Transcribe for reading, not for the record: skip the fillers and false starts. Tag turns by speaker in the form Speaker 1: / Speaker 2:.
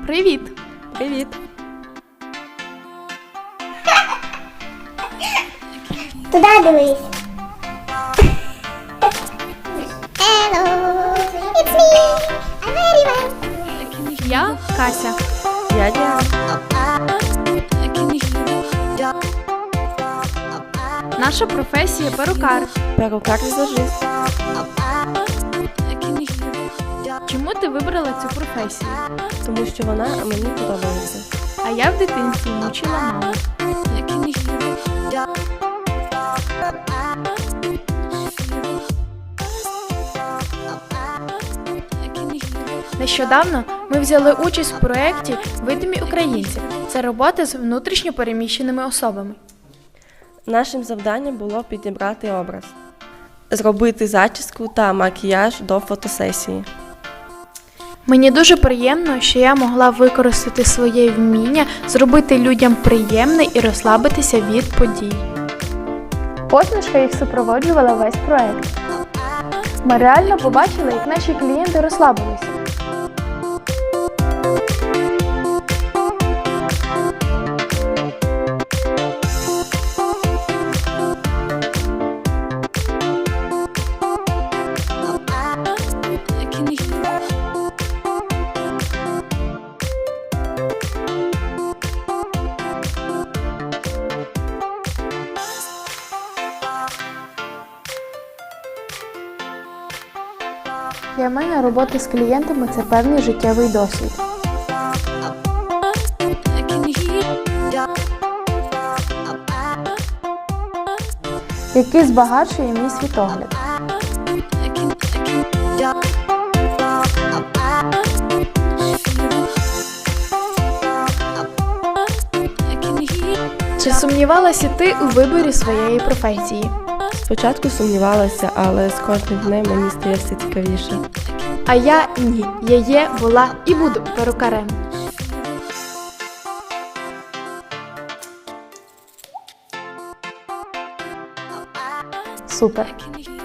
Speaker 1: Привіт!
Speaker 2: Привіт!
Speaker 3: Туди дивись. Hello, it's me. I'm very well.
Speaker 1: Я Кася.
Speaker 2: Я Діана.
Speaker 1: Наша професія перукар.
Speaker 2: Перукар-візажист.
Speaker 1: Чому ти вибрала цю професію?
Speaker 2: Тому що вона мені подобається.
Speaker 1: А я в дитинстві мучила маму. Нещодавно ми взяли участь в проєкті «Видимі українці». Це робота з внутрішньо переміщеними особами.
Speaker 2: Нашим завданням було підібрати образ, зробити зачіску та макіяж до фотосесії.
Speaker 1: Мені дуже приємно, що я могла використати своє вміння, зробити людям приємне і розслабитися від подій. Посмішка їх супроводжувала весь проєкт. Ми реально побачили, як наші клієнти розслабилися. Для мене робота з клієнтами – це певний життєвий досвід. Який збагачує мій світогляд. Чи сумнівалася ти у виборі своєї професії?
Speaker 2: Спочатку сумнівалася, але з кожним днем мені стає все цікавіше.
Speaker 1: А я ні. Я є, була і буду перукарем. Супер.